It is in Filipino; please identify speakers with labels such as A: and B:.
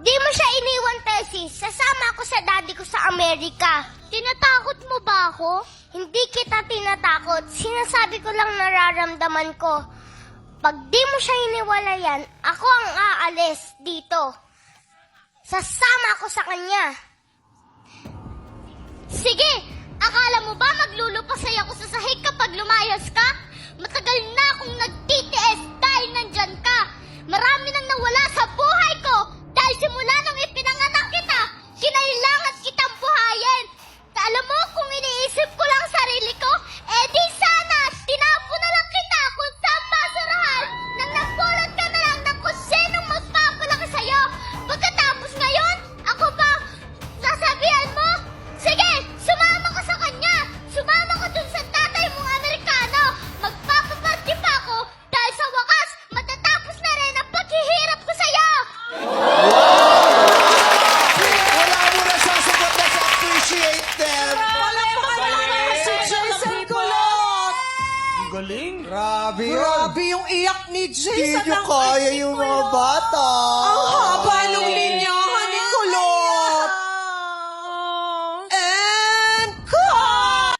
A: di mo siya iniwan, Tessie, sasama ako sa daddy ko sa Amerika. Tinatakot mo ba ako? Hindi kita tinatakot. Sinasabi ko lang nararamdaman ko. Pag di mo siya iniwalayan, ako ang aalis dito. Sasama ako sa kanya. Sige, akala mo ba maglulupasay ako sa sahig kapag lumayas ka? Matagal na akong nagtitiis dahil nandyan ka. Marami nang nawala sa buhay ko dahil simula nung ipinanganak kita, kinailangan kitang buhayin. Alam mo, kung iniisip ko lang sarili ko, di sana, tinapo na lang kita kung saan basurahan nang nagpulot ka na lang ng kung sinong magpapalaki sa'yo. Pagkatapos ngayon, ako ba sasabihan mo? Sige, sumama ka sa kanya. Sumama ka dun sa tatay mong Amerikano. Magpapaparty pa ako dahil sa wakas, matatapos na rin ang paghihirap ko sa'yo.
B: Wala mo na sasagot na sa appreciate them.
C: Galing.
B: Grabe yun.
D: Grabe yung iyak ni Jason.
B: Hindi nyo kaya yung mga bata.
D: Ang haba nung